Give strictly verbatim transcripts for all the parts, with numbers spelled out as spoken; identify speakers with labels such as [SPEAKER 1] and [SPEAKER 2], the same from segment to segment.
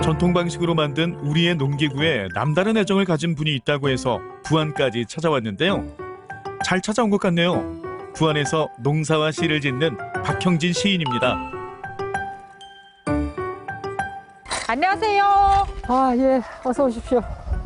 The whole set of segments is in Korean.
[SPEAKER 1] 전통 방식으로 만든 우리의 농기구에 남다른 애정을 가진 분이 있다고 해서 부안까지 찾아왔는데요. 잘 찾아온 것 같네요. 부안에서 농사와 시를 짓는 박형진 시인입니다.
[SPEAKER 2] 안녕하세요.
[SPEAKER 3] 아, 예, 어서 오십시오.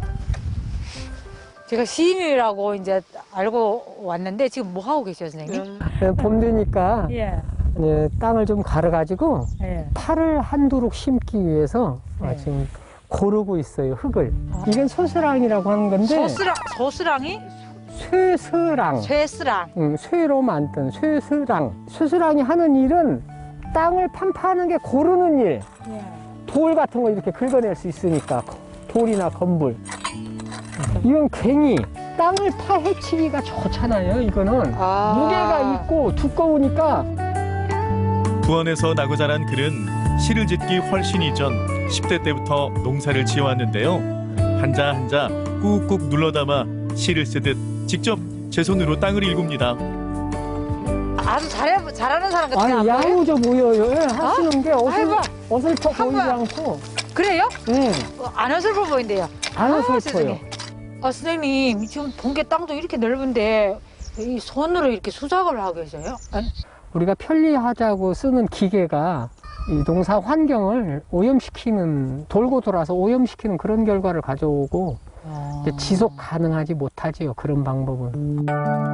[SPEAKER 2] 제가 시인이라고 이제 알고 왔는데 지금 뭐 하고 계세요, 선생님?
[SPEAKER 3] 네, 봄 되니까
[SPEAKER 2] 예.
[SPEAKER 3] 네, 땅을 좀 갈아가지고
[SPEAKER 2] 예.
[SPEAKER 3] 파를 한두룩 심기 위해서 아,
[SPEAKER 2] 네.
[SPEAKER 3] 지금 고르고 있어요, 흙을. 이건 소스랑이라고 하는 건데
[SPEAKER 2] 소스랑, 소스랑이?
[SPEAKER 3] 쇠스랑,
[SPEAKER 2] 쇠스랑.
[SPEAKER 3] 응, 쇠로 만든 쇠스랑. 소스랑이 하는 일은 땅을 판파하는 게 고르는 일.
[SPEAKER 2] 예.
[SPEAKER 3] 돌 같은 거 이렇게 긁어낼 수 있으니까 돌이나 건물. 이건 괭이. 땅을 파헤치기가 좋잖아요. 이거는
[SPEAKER 2] 아.
[SPEAKER 3] 무게가 있고 두꺼우니까.
[SPEAKER 1] 부안에서 나고 자란 그는 시를 짓기 훨씬 이전 십 대 때부터 농사를 지어왔는데요. 한자 한자 꾹꾹 눌러담아 시를 쓰듯 직접 제 손으로 땅을 일굽니다.
[SPEAKER 2] 아주 잘해, 잘하는 사람 같아요.
[SPEAKER 3] 아니,
[SPEAKER 2] 안 보여요?
[SPEAKER 3] 야무져 보여요. 예, 하시는 게 어슬,
[SPEAKER 2] 아이고.
[SPEAKER 3] 어슬퍼 보이지
[SPEAKER 2] 한번.
[SPEAKER 3] 않고.
[SPEAKER 2] 그래요?
[SPEAKER 3] 예,
[SPEAKER 2] 어, 안 어슬퍼 보인대요.
[SPEAKER 3] 안
[SPEAKER 2] 아,
[SPEAKER 3] 어슬퍼요.
[SPEAKER 2] 세상에. 아, 선생님, 지금 본게 땅도 이렇게 넓은데 이 손으로 이렇게 수작업을 하고 계세요? 아니,
[SPEAKER 3] 우리가 편리하자고 쓰는 기계가 이 농사 환경을 오염시키는, 돌고 돌아서 오염시키는 그런 결과를 가져오고
[SPEAKER 2] 아.
[SPEAKER 3] 이제 지속 가능하지 못하지요. 그런 방법은.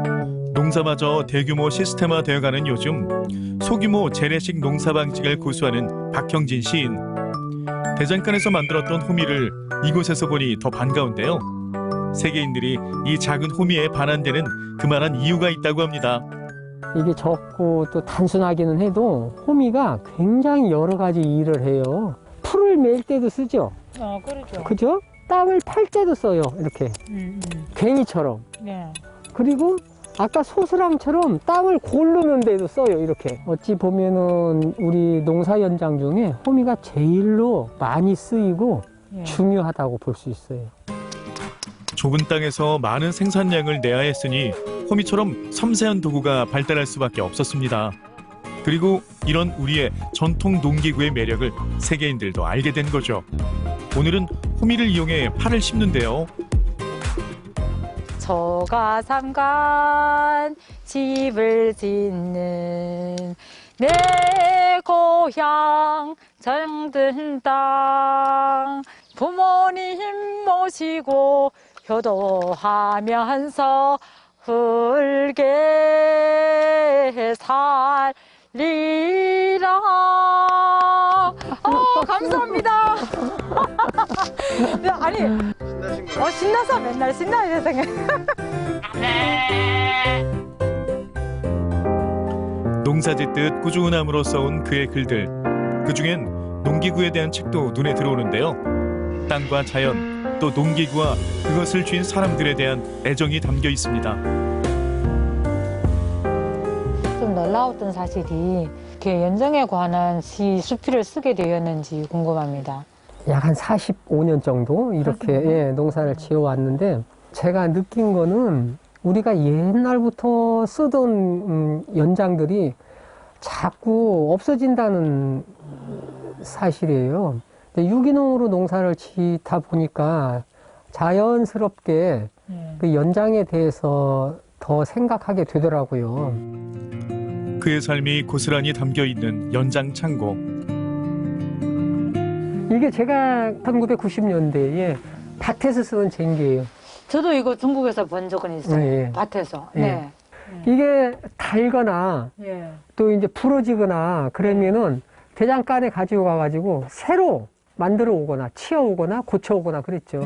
[SPEAKER 1] 농사마저 대규모 시스템화 되어가는 요즘 소규모 재래식 농사 방식을 고수하는 박형진 시인. 대장간에서 만들었던 호미를 이곳에서 보니 더 반가운데요. 세계인들이 이 작은 호미에 반한데는 그만한 이유가 있다고 합니다.
[SPEAKER 3] 이게 적고 또 단순하기는 해도 호미가 굉장히 여러 가지 일을 해요. 풀을 맬 때도 쓰죠.
[SPEAKER 2] 어, 그렇죠.
[SPEAKER 3] 그죠? 땅을 팔 때도 써요. 이렇게
[SPEAKER 2] 음, 음.
[SPEAKER 3] 괭이처럼.
[SPEAKER 2] 네.
[SPEAKER 3] 그리고 아까 소스랑처럼 땅을 고르는 데도 써요. 이렇게. 어찌 보면은 우리 농사 현장 중에 호미가 제일로 많이 쓰이고
[SPEAKER 2] 예.
[SPEAKER 3] 중요하다고 볼 수 있어요.
[SPEAKER 1] 좁은 땅에서 많은 생산량을 내야 했으니 호미처럼 섬세한 도구가 발달할 수밖에 없었습니다. 그리고 이런 우리의 전통 농기구의 매력을 세계인들도 알게 된 거죠. 오늘은 호미를 이용해 파를 심는데요.
[SPEAKER 2] 저가 삼간 집을 짓는 내 고향 정든 땅 부모님 모시고 효도하면서 훌게 살리라. 어, 감사합니다. 네, 아니, 어, 신나서 맨날 신나요, 세상에.
[SPEAKER 1] 농사 짓듯 꾸준함으로 써온 그의 글들. 그중엔 농기구에 대한 책도 눈에 들어오는데요. 땅과 자연, 또 농기구와 그것을 쥔 사람들에 대한 애정이 담겨 있습니다.
[SPEAKER 2] 좀 놀라웠던 사실이 이렇게 연정에 관한 시 수필을 쓰게 되었는지 궁금합니다.
[SPEAKER 3] 약 한 사십오 년 정도 이렇게 예, 농사를 지어왔는데 제가 느낀 거는 우리가 옛날부터 쓰던 음, 연장들이 자꾸 없어진다는 사실이에요. 근데 유기농으로 농사를 짓다 보니까 자연스럽게
[SPEAKER 2] 네.
[SPEAKER 3] 그 연장에 대해서 더 생각하게 되더라고요.
[SPEAKER 1] 그의 삶이 고스란히 담겨 있는 연장 창고.
[SPEAKER 3] 이게 제가 천구백구십 년대에 밭에서 쓰던 쟁기예요.
[SPEAKER 2] 저도 이거 중국에서 본 적은 있어요.
[SPEAKER 3] 네.
[SPEAKER 2] 밭에서.
[SPEAKER 3] 네.
[SPEAKER 2] 네.
[SPEAKER 3] 이게 달거나
[SPEAKER 2] 예.
[SPEAKER 3] 또 이제 부러지거나 그러면은 대장간에 가지고 가가지고 새로 만들어 오거나 치어 오거나 고쳐 오거나 그랬죠.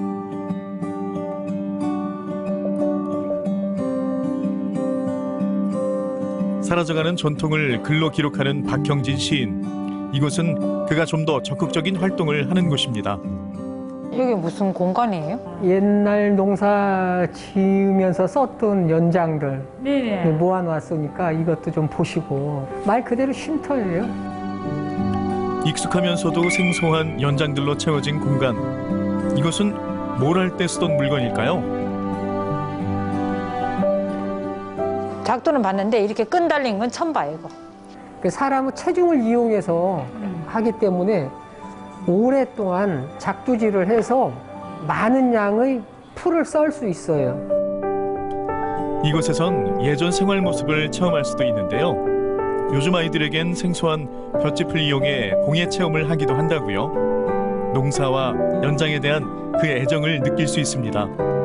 [SPEAKER 1] 사라져가는 전통을 글로 기록하는 박형진 시인. 이곳은 그가 좀 더 적극적인 활동을 하는 곳입니다.
[SPEAKER 2] 여기 무슨 공간이에요?
[SPEAKER 3] 옛날 농사 지으면서 썼던 연장들
[SPEAKER 2] 네네.
[SPEAKER 3] 모아놨으니까 이것도 좀 보시고 말 그대로 쉼터예요.
[SPEAKER 1] 익숙하면서도 생소한 연장들로 채워진 공간. 이것은 뭘 할 때 쓰던 물건일까요?
[SPEAKER 2] 작두는 봤는데 이렇게 끈 달린 건 처음 봐요, 이거.
[SPEAKER 3] 사람의 체중을 이용해서 하기 때문에 오랫동안 작두질을 해서 많은 양의 풀을 썰 수 있어요.
[SPEAKER 1] 이곳에선 예전 생활 모습을 체험할 수도 있는데요. 요즘 아이들에겐 생소한 볏짚을 이용해 공예 체험을 하기도 한다고요. 농사와 연장에 대한 그 애정을 느낄 수 있습니다.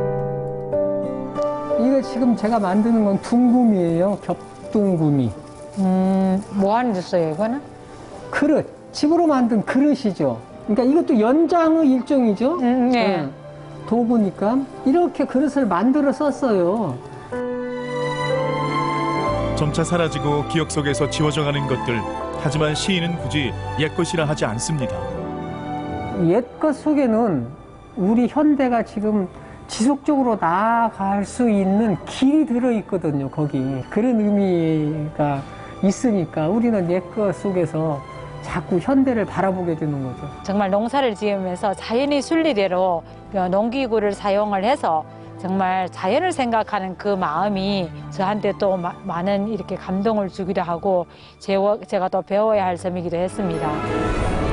[SPEAKER 3] 이거 지금 제가 만드는 건 둥구미예요. 겹둥구미.
[SPEAKER 2] 음, 뭐 하는 데 써요, 이거는?
[SPEAKER 3] 그릇. 집으로 만든 그릇이죠. 그러니까 이것도 연장의 일종이죠.
[SPEAKER 2] 음, 네.
[SPEAKER 3] 네. 도구니까 이렇게 그릇을 만들어 썼어요.
[SPEAKER 1] 점차 사라지고 기억 속에서 지워져가는 것들. 하지만 시인은 굳이 옛것이라 하지 않습니다.
[SPEAKER 3] 옛것 속에는 우리 현대가 지금 지속적으로 나아갈 수 있는 길이 들어있거든요, 거기. 그런 의미가 있으니까 우리는 옛것 속에서 자꾸 현대를 바라보게 되는 거죠.
[SPEAKER 2] 정말 농사를 지으면서 자연의 순리대로 농기구를 사용을 해서 정말 자연을 생각하는 그 마음이 저한테 또 마, 많은 이렇게 감동을 주기도 하고 제, 제가 또 배워야 할 점이기도 했습니다.